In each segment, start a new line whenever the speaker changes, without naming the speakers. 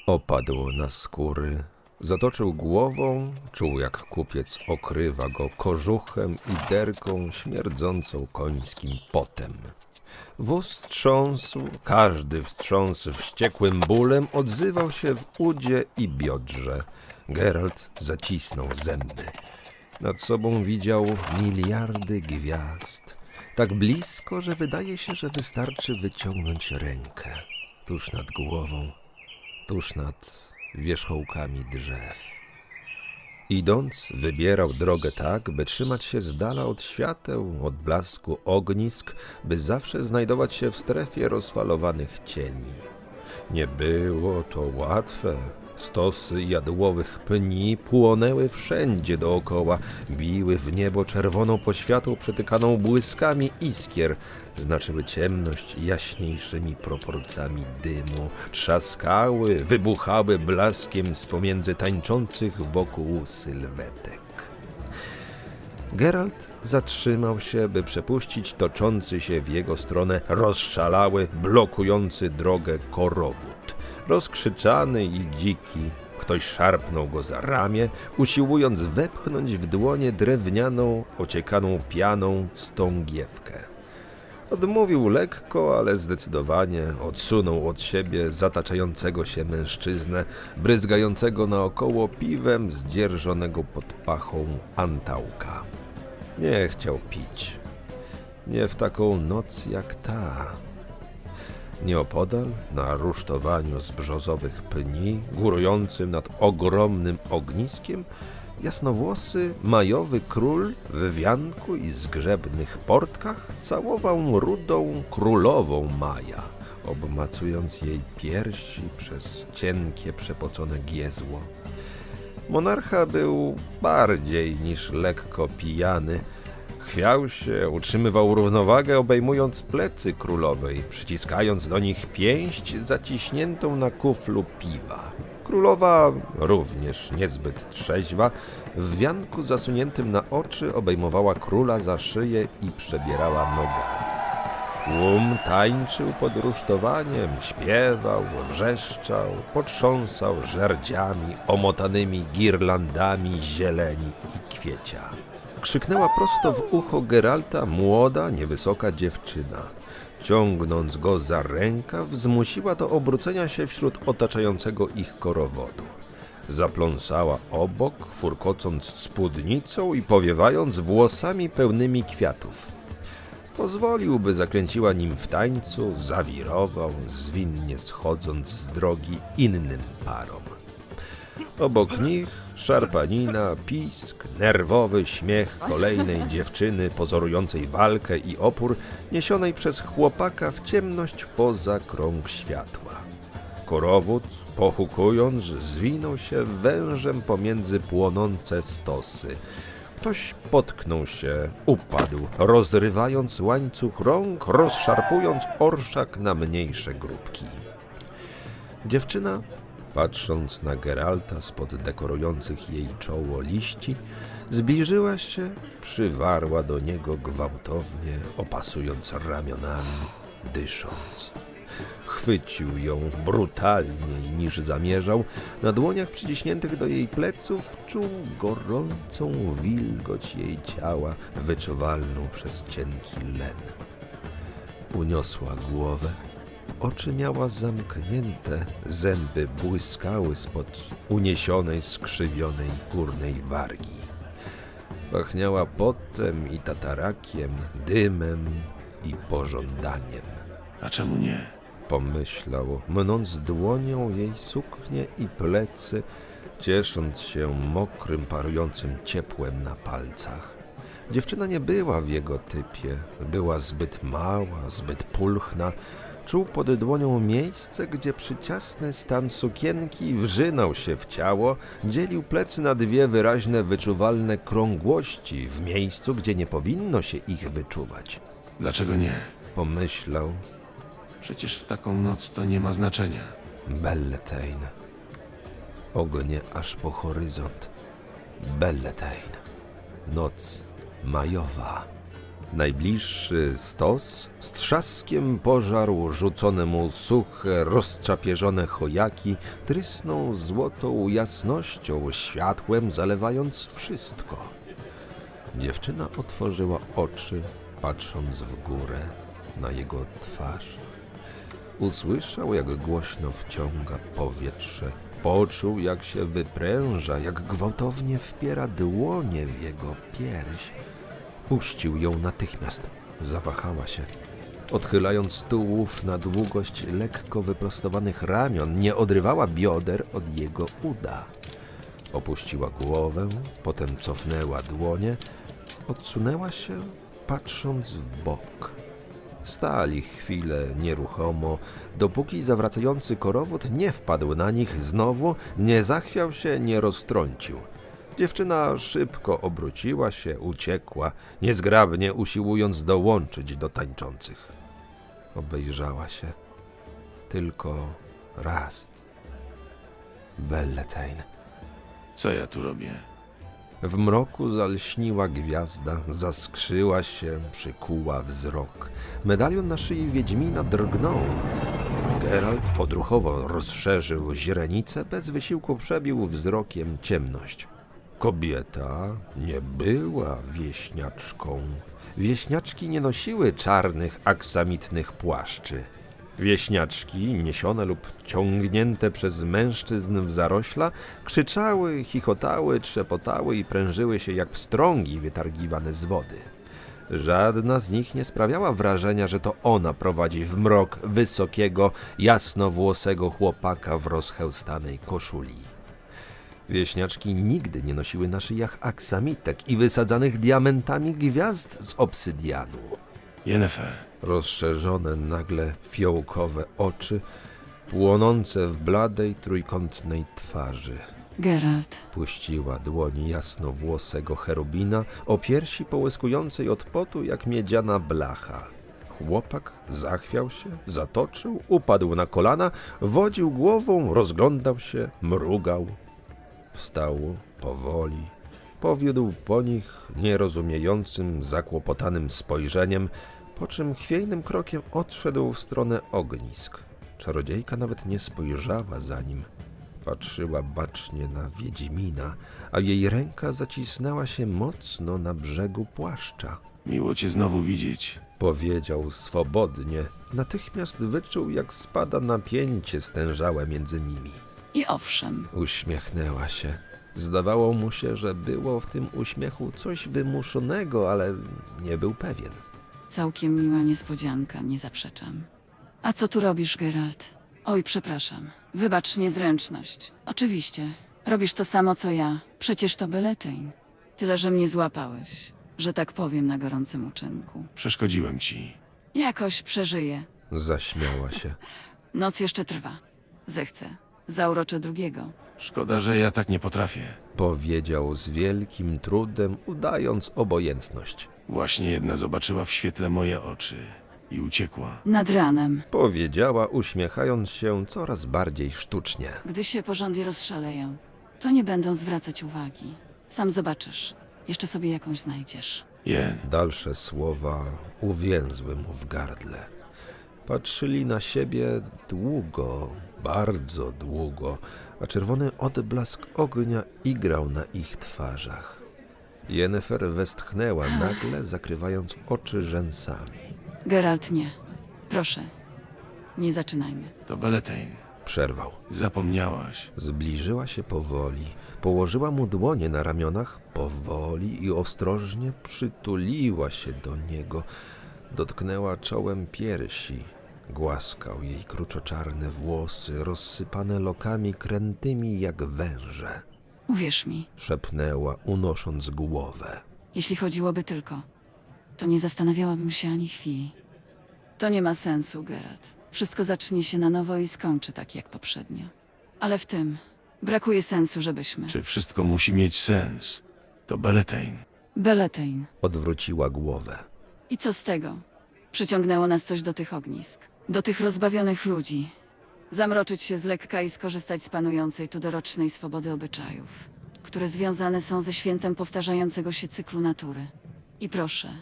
Opadł na skóry, zatoczył głową, czuł jak kupiec okrywa go kożuchem i derką śmierdzącą końskim potem. Wóz trząsł, każdy wstrząs wściekłym bólem odzywał się w udzie i biodrze. Geralt zacisnął zęby. Nad sobą widział miliardy gwiazd. Tak blisko, że wydaje się, że wystarczy wyciągnąć rękę. Tuż nad głową, tuż nad wierzchołkami drzew. Idąc, wybierał drogę tak, by trzymać się z dala od świateł, od blasku ognisk, by zawsze znajdować się w strefie rozfalowanych cieni. Nie było to łatwe. Stosy jadłowych pni płonęły wszędzie dookoła, biły w niebo czerwoną poświatą przetykaną błyskami iskier, znaczyły ciemność jaśniejszymi proporcjami dymu, trzaskały, wybuchały blaskiem z pomiędzy tańczących wokół sylwetek. Geralt zatrzymał się, by przepuścić toczący się w jego stronę rozszalały, blokujący drogę korowód. Rozkrzyczany i dziki, ktoś szarpnął go za ramię, usiłując wepchnąć w dłonie drewnianą, ociekaną pianą stągiewkę. Odmówił lekko, ale zdecydowanie odsunął od siebie zataczającego się mężczyznę, bryzgającego naokoło piwem zdzierżonego pod pachą antałka. Nie chciał pić. Nie w taką noc jak ta. Nieopodal, na rusztowaniu z brzozowych pni, górującym nad ogromnym ogniskiem, jasnowłosy, majowy król w wianku i zgrzebnych portkach całował rudą królową Maja, obmacując jej piersi przez cienkie, przepocone giezło. Monarcha był bardziej niż lekko pijany. Chwiał się, utrzymywał równowagę, obejmując plecy królowej, przyciskając do nich pięść zaciśniętą na kuflu piwa. Królowa, również niezbyt trzeźwa, w wianku zasuniętym na oczy obejmowała króla za szyję i przebierała nogami. Tłum tańczył pod rusztowaniem, śpiewał, wrzeszczał, potrząsał żerdziami omotanymi girlandami zieleni i kwiecia. Krzyknęła prosto w ucho Geralta młoda, niewysoka dziewczyna. Ciągnąc go za rękaw, zmusiła do obrócenia się wśród otaczającego ich korowodu. Zapląsała obok, furkocąc spódnicą i powiewając włosami pełnymi kwiatów. Pozwolił, by zakręciła nim w tańcu, zawirował, zwinnie schodząc z drogi innym parom. Obok nich szarpanina, pisk, nerwowy śmiech kolejnej dziewczyny pozorującej walkę i opór, niesionej przez chłopaka w ciemność poza krąg światła. Korowód, pochukując, zwinął się wężem pomiędzy płonące stosy. Ktoś potknął się, upadł, rozrywając łańcuch rąk, rozszarpując orszak na mniejsze grupki. Dziewczyna, patrząc na Geralta spod dekorujących jej czoło liści, zbliżyła się, przywarła do niego gwałtownie, opasując ramionami, dysząc. Chwycił ją brutalniej niż zamierzał. Na dłoniach przyciśniętych do jej pleców czuł gorącą wilgoć jej ciała, wyczuwalną przez cienki len. Uniosła głowę. Oczy miała zamknięte, zęby błyskały spod uniesionej, skrzywionej górnej wargi. Pachniała potem i tatarakiem, dymem i pożądaniem.
A czemu nie?
Pomyślał, mnąc dłonią jej suknię i plecy, ciesząc się mokrym, parującym ciepłem na palcach. Dziewczyna nie była w jego typie, była zbyt mała, zbyt pulchna. Czuł pod dłonią miejsce, gdzie przyciasny stan sukienki wrzynał się w ciało, dzielił plecy na dwie wyraźne, wyczuwalne krągłości w miejscu, gdzie nie powinno się ich wyczuwać.
Dlaczego nie?
Pomyślał.
Przecież w taką noc to nie ma znaczenia.
Beltane. Ognie aż po horyzont. Beltane. Noc majowa. Najbliższy stos z trzaskiem pożarł rzucone mu suche, rozczapieżone chojaki, trysnął złotą jasnością, światłem zalewając wszystko. Dziewczyna otworzyła oczy, patrząc w górę na jego twarz. Usłyszał, jak głośno wciąga powietrze. Poczuł, jak się wypręża, jak gwałtownie wpiera dłonie w jego pierś. Puścił ją natychmiast. Zawahała się. Odchylając tułów na długość lekko wyprostowanych ramion, nie odrywała bioder od jego uda. Opuściła głowę, potem cofnęła dłonie, odsunęła się, patrząc w bok. Stali chwilę nieruchomo, dopóki zawracający korowód nie wpadł na nich znowu, nie zachwiał się, nie roztrącił. Dziewczyna szybko obróciła się, uciekła, niezgrabnie usiłując dołączyć do tańczących. Obejrzała się tylko raz. Belletein.
Co ja tu robię?
W mroku zalśniła gwiazda, zaskrzyła się, przykuła wzrok. Medalion na szyi Wiedźmina drgnął. Geralt odruchowo rozszerzył źrenicę, bez wysiłku przebił wzrokiem ciemność. Kobieta nie była wieśniaczką. Wieśniaczki nie nosiły czarnych, aksamitnych płaszczy. Wieśniaczki, niesione lub ciągnięte przez mężczyzn w zarośla, krzyczały, chichotały, trzepotały i prężyły się jak pstrągi wytargiwane z wody. Żadna z nich nie sprawiała wrażenia, że to ona prowadzi w mrok wysokiego, jasnowłosego chłopaka w rozchełstanej koszuli. Wieśniaczki nigdy nie nosiły na szyjach aksamitek i wysadzanych diamentami gwiazd z obsydianu.
Yennefer,
Rozszerzone nagle fiołkowe oczy, płonące w bladej, trójkątnej twarzy.
Geralt,
Puściła dłoni jasnowłosego cherubina o piersi połyskującej od potu jak miedziana blacha. Chłopak zachwiał się, zatoczył, upadł na kolana, wodził głową, rozglądał się, mrugał. Wstał powoli, powiódł po nich nierozumiejącym, zakłopotanym spojrzeniem, po czym chwiejnym krokiem odszedł w stronę ognisk. Czarodziejka nawet nie spojrzała za nim. Patrzyła bacznie na Wiedźmina, a jej ręka zacisnęła się mocno na brzegu płaszcza.
miło cię znowu widzieć.
Powiedział swobodnie. Natychmiast wyczuł, jak spada napięcie stężałe między nimi.
i owszem,
Uśmiechnęła się. Zdawało mu się, że było w tym uśmiechu coś wymuszonego, ale nie był pewien.
całkiem miła niespodzianka, nie zaprzeczam. A co tu robisz, Geralt? Oj, przepraszam. Wybacz niezręczność. Oczywiście. Robisz to samo, co ja. Przecież to Belletein. Tyle, że mnie złapałeś, że tak powiem, na gorącym uczynku.
Przeszkodziłem ci.
Jakoś przeżyję.
Zaśmiała się.
Noc jeszcze trwa. Zechcę. Zauroczę drugiego.
Szkoda, że ja tak nie potrafię.
Powiedział z wielkim trudem, udając obojętność.
Właśnie jedna zobaczyła w świetle moje oczy i uciekła.
Nad ranem,
Powiedziała, uśmiechając się coraz bardziej sztucznie.
gdy się porządnie rozszaleją, to nie będą zwracać uwagi. Sam zobaczysz. Jeszcze sobie jakąś znajdziesz.
Jen,
Dalsze słowa uwięzły mu w gardle. Patrzyli na siebie długo, bardzo długo, a czerwony odblask ognia igrał na ich twarzach. Yennefer westchnęła nagle, zakrywając oczy rzęsami.
Geralt, nie. Proszę. Nie zaczynajmy.
to Belletein.
Przerwał.
Zapomniałaś.
Zbliżyła się powoli, położyła mu dłonie na ramionach, powoli i ostrożnie przytuliła się do niego, dotknęła czołem piersi, głaskał jej kruczoczarne włosy, rozsypane lokami krętymi jak węże.
Uwierz mi,
Szepnęła, unosząc głowę.
jeśli chodziłoby tylko, to nie zastanawiałabym się ani chwili. To nie ma sensu, Geralt. Wszystko zacznie się na nowo i skończy tak jak poprzednio. Ale w tym brakuje sensu, żebyśmy...
Czy wszystko musi mieć sens? To Belletein.
Belletein.
Odwróciła głowę.
I co z tego? Przyciągnęło nas coś do tych ognisk. Do tych rozbawionych ludzi. Zamroczyć się z lekka i skorzystać z panującej tu dorocznej swobody obyczajów, które związane są ze świętem powtarzającego się cyklu natury. I proszę,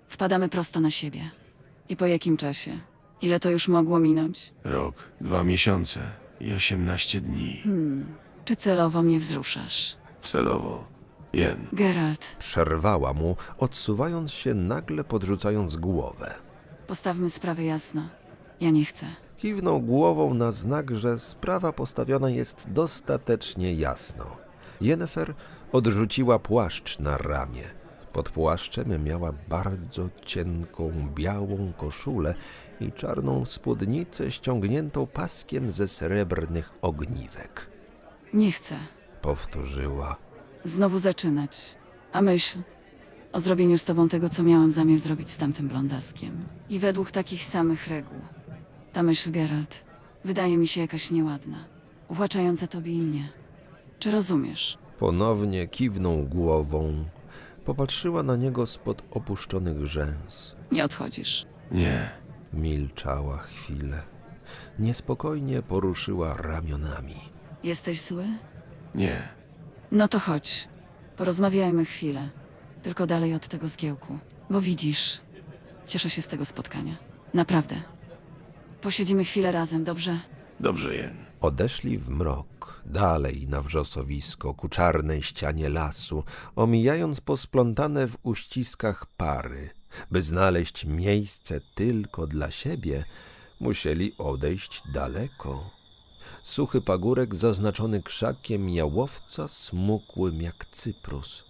Wpadamy prosto na siebie. I po jakim czasie? Ile to już mogło minąć?
Rok, 2 miesiące i 18 dni.
Czy celowo mnie wzruszasz?
Celowo. Jen.
Geralt,
Przerwała mu, odsuwając się, nagle podrzucając głowę.
postawmy sprawę jasno. Ja nie chcę.
Kiwnął głową na znak, że sprawa postawiona jest dostatecznie jasno. Yennefer odrzuciła płaszcz na ramię. Pod płaszczem miała bardzo cienką, białą koszulę i czarną spódnicę ściągniętą paskiem ze srebrnych ogniwek.
Nie chcę.
Powtórzyła.
Znowu zaczynać. A myśl o zrobieniu z tobą tego, co miałam zamiar zrobić z tamtym blondaskiem. I według takich samych reguł. Ta myśl, Geralt, wydaje mi się jakaś nieładna. Uwłaczająca tobie i mnie. Czy rozumiesz?
Ponownie kiwnął głową. Popatrzyła na niego spod opuszczonych rzęs.
Nie odchodzisz.
Nie.
Milczała chwilę. Niespokojnie poruszyła ramionami.
Jesteś zły?
Nie.
No to chodź. Porozmawiajmy chwilę. Tylko dalej od tego zgiełku. Bo widzisz, cieszę się z tego spotkania. Naprawdę. Posiedzimy chwilę razem, dobrze?
Dobrze, Jen.
Odeszli w mrok, dalej na wrzosowisko, ku czarnej ścianie lasu, omijając posplątane w uściskach pary. By znaleźć miejsce tylko dla siebie, musieli odejść daleko. Suchy pagórek zaznaczony krzakiem jałowca smukłym jak cyprus.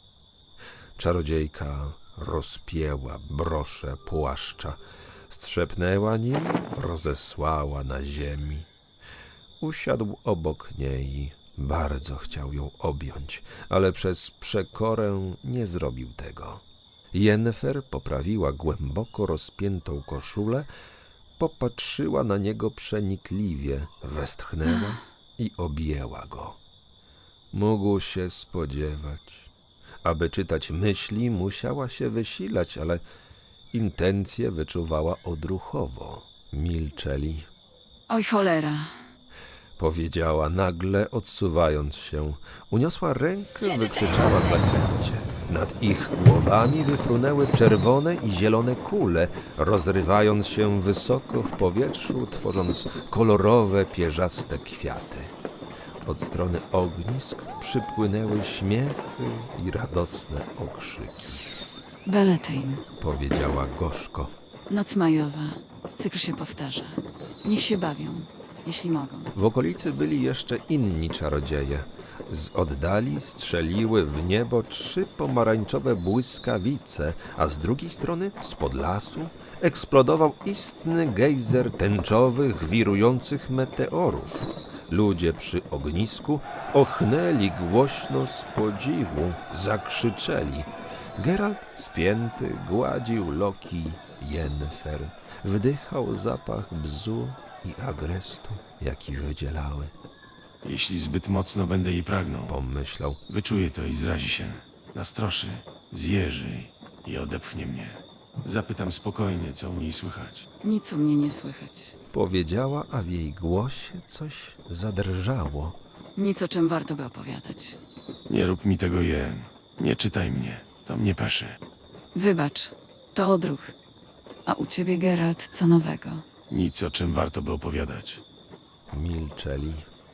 Czarodziejka rozpięła broszę płaszcza, strzepnęła nim, rozesłała na ziemi. Usiadł obok niej, bardzo chciał ją objąć, ale przez przekorę nie zrobił tego. Yennefer poprawiła głęboko rozpiętą koszulę, popatrzyła na niego przenikliwie, westchnęła i objęła go. Mógł się spodziewać. Aby czytać myśli, musiała się wysilać, ale intencje wyczuwała odruchowo. Milczeli.
Oj cholera.
Powiedziała nagle, odsuwając się. Uniosła rękę, wykrzyczała zaklęcie. Nad ich głowami wyfrunęły czerwone i zielone kule, rozrywając się wysoko w powietrzu, tworząc kolorowe, pierzaste kwiaty. Od strony ognisk przypłynęły śmiechy i radosne okrzyki.
Beletyń.
Powiedziała gorzko.
Noc majowa. Cykl się powtarza. Niech się bawią, jeśli mogą.
W okolicy byli jeszcze inni czarodzieje. Z oddali strzeliły w niebo 3 pomarańczowe błyskawice, a z drugiej strony, spod lasu, eksplodował istny gejzer tęczowych, wirujących meteorów. Ludzie przy ognisku ochnęli głośno z podziwu, zakrzyczeli. Geralt, spięty, gładził loki Yennefer. Wdychał zapach bzu i agrestu, jaki wydzielały.
Jeśli zbyt mocno będę jej pragnął,
Pomyślał.
wyczuje to i zrazi się. Nastroszy, zjeży i odepchnie mnie. Zapytam spokojnie, co u niej słychać.
Nic u mnie nie słychać.
Powiedziała, a w jej głosie coś zadrżało.
Nic, o czym warto by opowiadać.
Nie rób mi tego, Jen. Nie czytaj mnie. To mnie peszy.
Wybacz, to odruch. A u ciebie, Geralt, co nowego?
Nic, o czym warto by opowiadać.
Milczeli.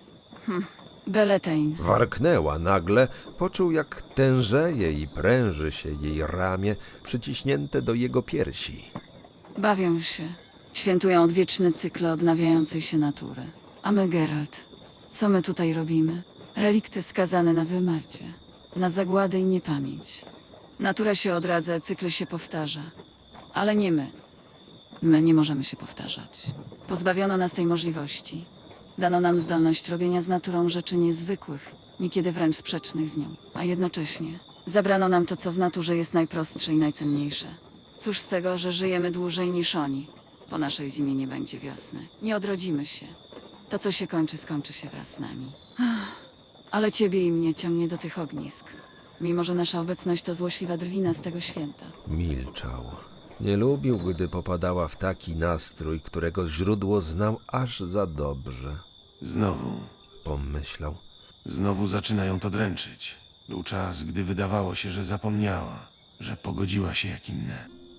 Beletyń.
Warknęła nagle, poczuł jak tężeje i pręży się jej ramię przyciśnięte do jego piersi.
Bawią się. Świętują odwieczny cykl odnawiającej się natury. A my, Geralt, co my tutaj robimy? Relikty skazane na wymarcie, na zagładę i niepamięć. Natura się odradza, cykl się powtarza. Ale nie my. My nie możemy się powtarzać. Pozbawiono nas tej możliwości. Dano nam zdolność robienia z naturą rzeczy niezwykłych, niekiedy wręcz sprzecznych z nią. A jednocześnie zabrano nam to, co w naturze jest najprostsze i najcenniejsze. Cóż z tego, że żyjemy dłużej niż oni? Po naszej zimie nie będzie wiosny. Nie odrodzimy się. To, co się kończy, skończy się wraz z nami. Ale ciebie i mnie ciągnie do tych ognisk. Mimo że nasza obecność to złośliwa drwina z tego święta.
Milczał. Nie lubił, gdy popadała w taki nastrój, którego źródło znał aż za dobrze.
Znowu.
Pomyślał.
Znowu zaczynają to dręczyć. Był czas, gdy wydawało się, że zapomniała, że pogodziła się jak inne.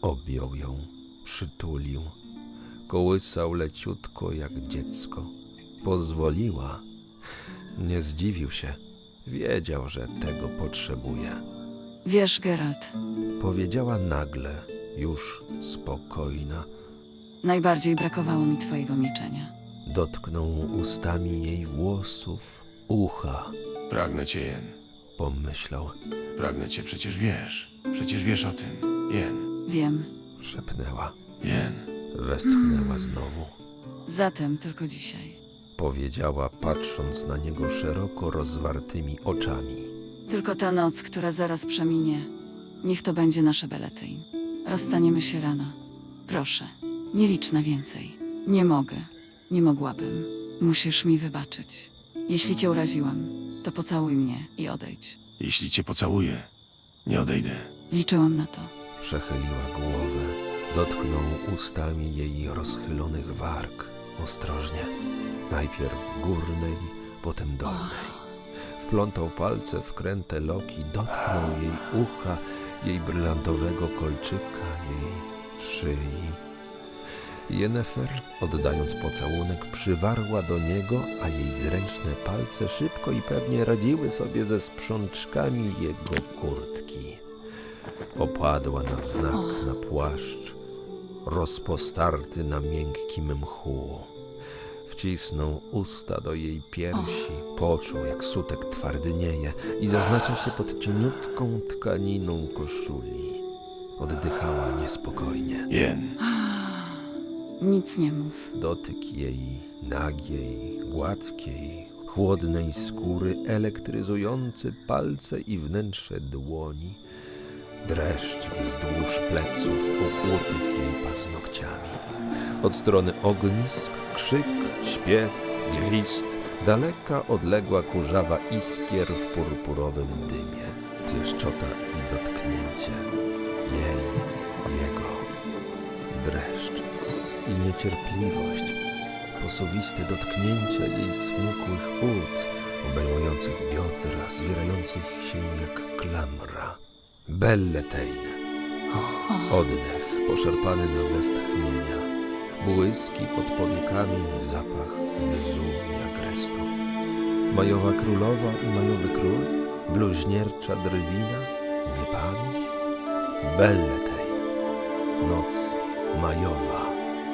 Objął ją, przytulił, kołysał leciutko jak dziecko. Pozwoliła. Nie zdziwił się. Wiedział, że tego potrzebuje.
Wiesz, Geralt,
Powiedziała nagle, już spokojna.
najbardziej brakowało mi twojego milczenia.
Dotknął ustami jej włosów, ucha.
Pragnę cię, Jen.
Pomyślał,
Pragnę cię, przecież wiesz. Przecież wiesz o tym. Jen.
Wiem.
szepnęła.
Jen.
Westchnęła znowu.
Zatem tylko dzisiaj.
Powiedziała, patrząc na niego szeroko rozwartymi oczami.
Tylko ta noc, która zaraz przeminie. Niech to będzie nasze Beletyń. Rozstaniemy się rano. Proszę, nie licz na więcej. Nie mogę. Nie mogłabym. Musisz mi wybaczyć. Jeśli cię uraziłam, to pocałuj mnie i odejdź.
Jeśli cię pocałuję, nie odejdę.
Liczyłam na to.
Przechyliła głowę, dotknął ustami jej rozchylonych warg. Ostrożnie. Najpierw górnej, potem dolnej. Wplątał palce w kręte loki, dotknął jej ucha, jej brylantowego kolczyka, jej szyi. Yennefer, oddając pocałunek, przywarła do niego, a jej zręczne palce szybko i pewnie radziły sobie ze sprzączkami jego kurtki. Opadła na wznak na płaszcz, rozpostarty na miękkim mchu. Wcisnął usta do jej piersi, poczuł, jak sutek twardnieje i zaznacza się pod cieniutką tkaniną koszuli. Oddychała niespokojnie.
Jen.
Nic nie mów.
Dotyk jej nagiej, gładkiej, chłodnej skóry, elektryzujący palce i wnętrze dłoni. Dreszcz wzdłuż pleców ukłutych jej paznokciami. Od strony ognisk, krzyk, śpiew, gwizd, daleka odległa kurzawa iskier w purpurowym dymie. Pieszczota i dotknięcie. Jej, jego. Dreszcz i niecierpliwość. Posuwiste dotknięcia jej smukłych ud, obejmujących biodra, zwierających się jak klamra. Belletein. Oddech poszarpany na westchnienia. Błyski pod powiekami, zapach bzu i agrestu. Majowa królowa i majowy król, bluźniercza drwina, niepamięć. Belletein. Noc majowa.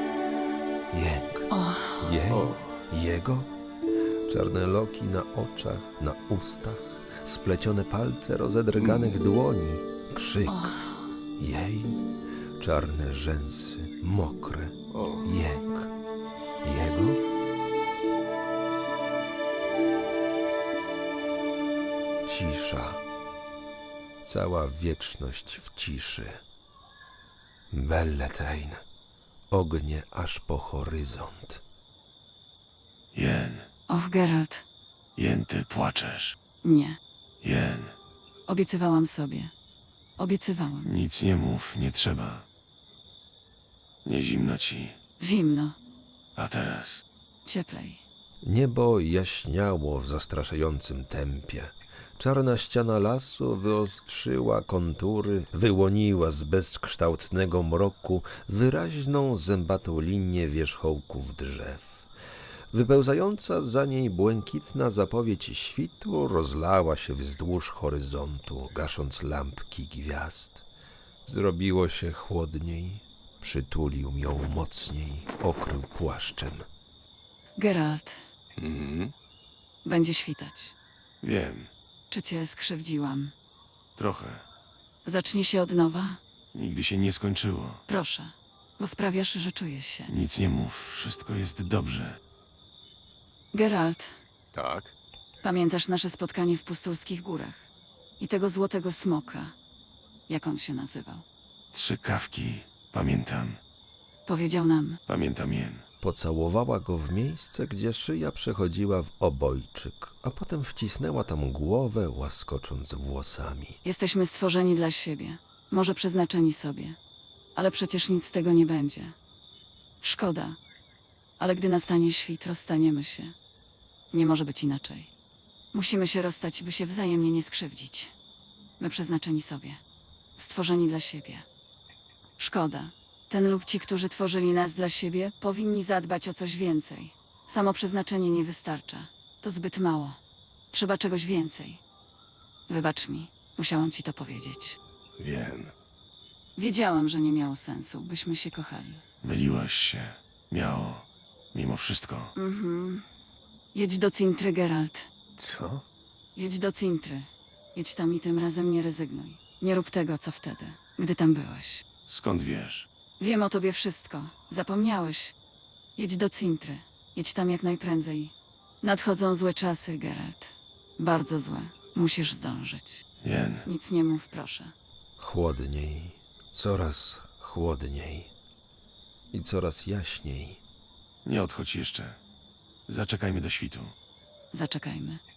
Jęk. Jej? Jego? Czarne loki na oczach, na ustach, splecione palce rozedrganych dłoni, krzyk. Jej? Czarne rzęsy, mokre, jęk. Jego? Cisza. Cała wieczność w ciszy. Belletein. Ognie aż po horyzont.
Jen.
Och, Geralt,
Jen, ty płaczesz.
nie.
Jen.
Obiecywałam sobie. Obiecywałam.
Nic nie mów, nie trzeba. Nie zimno ci.
Zimno.
A teraz?
Cieplej.
Niebo jaśniało w zastraszającym tempie. Czarna ściana lasu wyostrzyła kontury, wyłoniła z bezkształtnego mroku wyraźną, zębatą linię wierzchołków drzew. Wypełzająca za niej błękitna zapowiedź świtu rozlała się wzdłuż horyzontu, gasząc lampki gwiazd. Zrobiło się chłodniej, przytulił ją mocniej, okrył płaszczem.
Geralt, będzie świtać.
Wiem.
Czy cię skrzywdziłam?
Trochę.
Zacznie się od nowa?
Nigdy się nie skończyło.
Proszę, bo sprawiasz, że czuję się.
Nic nie mów, wszystko jest dobrze.
Geralt,
Tak?
pamiętasz nasze spotkanie w Pustulskich Górach? I tego złotego smoka? Jak on się nazywał?
3 kawki. Pamiętam.
Powiedział nam,
Pamiętam Jen.
Pocałowała go w miejsce, gdzie szyja przechodziła w obojczyk, a potem wcisnęła tam głowę, łaskocząc włosami.
jesteśmy stworzeni dla siebie, może przeznaczeni sobie, ale przecież nic z tego nie będzie. Szkoda, ale gdy nastanie świt, rozstaniemy się. Nie może być inaczej. Musimy się rozstać, by się wzajemnie nie skrzywdzić. My przeznaczeni sobie, stworzeni dla siebie. Szkoda. Ten lub ci, którzy tworzyli nas dla siebie, powinni zadbać o coś więcej. Samo przeznaczenie nie wystarcza. To zbyt mało. Trzeba czegoś więcej. Wybacz mi, musiałam ci to powiedzieć.
Wiem.
Wiedziałam, że nie miało sensu, byśmy się kochali.
Myliłaś się. Miało. Mimo wszystko.
Jedź do Cintry, Geralt.
Co?
Jedź do Cintry. Jedź tam i tym razem nie rezygnuj. Nie rób tego, co wtedy, gdy tam byłeś.
Skąd wiesz?
Wiem o tobie wszystko. Zapomniałeś. Jedź do Cintry. Jedź tam jak najprędzej. Nadchodzą złe czasy, Geralt. Bardzo złe. Musisz zdążyć.
Jen.
Nic nie mów, proszę.
Chłodniej, coraz chłodniej i coraz jaśniej.
Nie odchodź jeszcze. Zaczekajmy do świtu.
Zaczekajmy.